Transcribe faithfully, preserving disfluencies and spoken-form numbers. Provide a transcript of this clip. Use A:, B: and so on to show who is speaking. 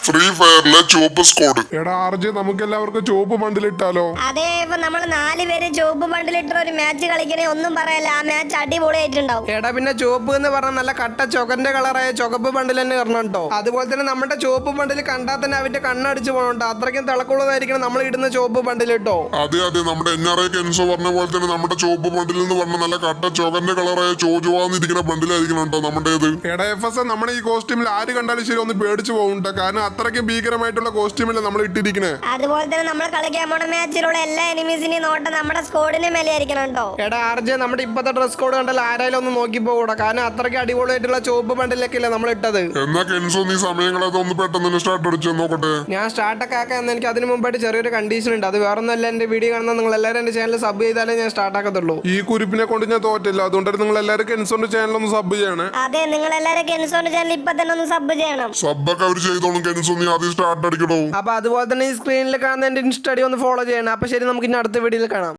A: Free ഫയറിലെ ചുവപ്പ് squad.
B: എടാ RJ നമുക്ക് എല്ലാവർക്കും ചുവപ്പ് ബണ്ടിൽ ഇട്ടാലോ?
C: അതെ, ഇപ്പൊ നമ്മൾ നാല് പേര് ചുവപ്പ് ബണ്ടിലിട്ട് ഒരു മാച്ച് കളിക്കണേ, ഒന്നും പറയല്ല, ആ മാച്ച് അടിപൊളിയായിട്ടുണ്ടാവും.
D: എടാ പിന്നെ ചുവപ്പ് എന്ന് പറഞ്ഞാൽ നല്ല കട്ട ചുവന്റെ കളറായ ചുവപ്പ് ബണ്ടിൽ തന്നെ ഇടണം കേട്ടോ. അതുപോലെ തന്നെ നമ്മുടെ ചുവപ്പ് ബണ്ടിൽ കണ്ടാൽ തന്നെ അവന്റെ കണ്ണടിച്ച് പോകണോ, അത്രയ്ക്കും തിളക്കുള്ളതായിരിക്കണം നമ്മൾ ഇടുന്ന ചുവപ്പ് ബണ്ടിൽ കേട്ടോ.
A: അതെ അതെ, നമ്മുടെ എൻ ആർ ഐ കെൻസോ പറഞ്ഞ പോലെ തന്നെ നമ്മുടെ ചുവപ്പ് ബണ്ടിൽ എന്ന് പറഞ്ഞ നല്ല കട്ട ചുവന്റെ കളറായ ചോജുവാന്നിരിക്കുന്ന ബണ്ടിലായിരിക്കണം കേട്ടോ നമ്മുടേത്.
B: എടാ എഫ് എസ് നമ്മുടെ ഈ കോസ്റ്റ്യൂമിൽ ആര് കണ്ടാലും ശരി ഒന്ന് പേടിച്ചു പോകുന്നുണ്ട്, കാരണം അത്രയ്ക്ക് ഭീകരമായിട്ടുള്ള കോസ്റ്റ്യൂമല്ലേ നമ്മൾ ഇട്ടിരിക്കണേ.
C: അതുപോലെ തന്നെ നമ്മൾ കളിക്കാൻ പോണ മാച്ചിലുള്ള എല്ലാ എനിമീസിനെയും നോട്ടം നമ്മുടെ സ്കോഡിന് മേലെ ആയിരിക്കണം കേട്ടോ.
D: എടാ ആർജെ നമ്മുടെ ഇപ്പത്തെ ഡ്രസ് കോഡ് കണ്ടാൽ ആരായാലും ഒന്ന് നോക്കി പോകൂടാ, കാരണം അത്രയ്ക്ക് അടിപൊളിയായിട്ടുള്ള ചുവപ്പ് ബണ്ടിലൊക്കെ അല്ലേ നമ്മൾ ഇട്ടത്.
A: എന്നാ കെൻസോ നീ സമയങ്ങളൊക്കെ ഒന്ന് പെട്ടെന്ന് സ്റ്റാർട്ട് അടിച്ചു നോക്കട്ടെ.
D: ഞാൻ സ്റ്റാർട്ടൊക്കെ ആക്കാൻ എനിക്ക് അതിന് മുമ്പായിട്ട് ചെറിയൊരു കണ്ടീഷൻ ഉണ്ട്. അത് വേറെ ഒന്നല്ല, എന്റെ വീഡിയോ കാണുന്ന നിങ്ങൾ എല്ലാവരും എന്റെ ചാനൽ സബ് ചെയ്താലേ ഞാൻ സ്റ്റാർട്ട് ആക്കത്തുള്ളൂ.
B: ഈ കുരിപ്പിനെ കൊണ്ട് ഞാൻ തോറ്റില്ല, അതുകൊണ്ടാണ് നിങ്ങൾ എല്ലാവരും കെൻസോന്റെ ചാനൽ ഒന്ന് സബ് ചെയ്യണേ.
C: അതെ, നിങ്ങൾ എല്ലാവരും കെൻസോന്റെ ചാനൽ ഇപ്പൊ തന്നെ ഒന്ന് സബ് ചെയ്യണം.
A: സബ്ബൊക്കെ അവർ ചെയ്തോളും. കെൻസോ നീ ആദ്യം സ്റ്റാർട്ട് അടിക്കണോ.
D: അപ്പൊ അതുപോലെ തന്നെ ഈ സ്ക്രീനിൽ കാണുന്ന എന്റെ ഇൻസ്റ്റ ഐ ഡി ഒന്ന് ഫോളോ ചെയ്യണം. അപ്പൊ ശരി, നമുക്ക് ഇനി അടുത്ത വീഡിയോയിൽ കാണാം.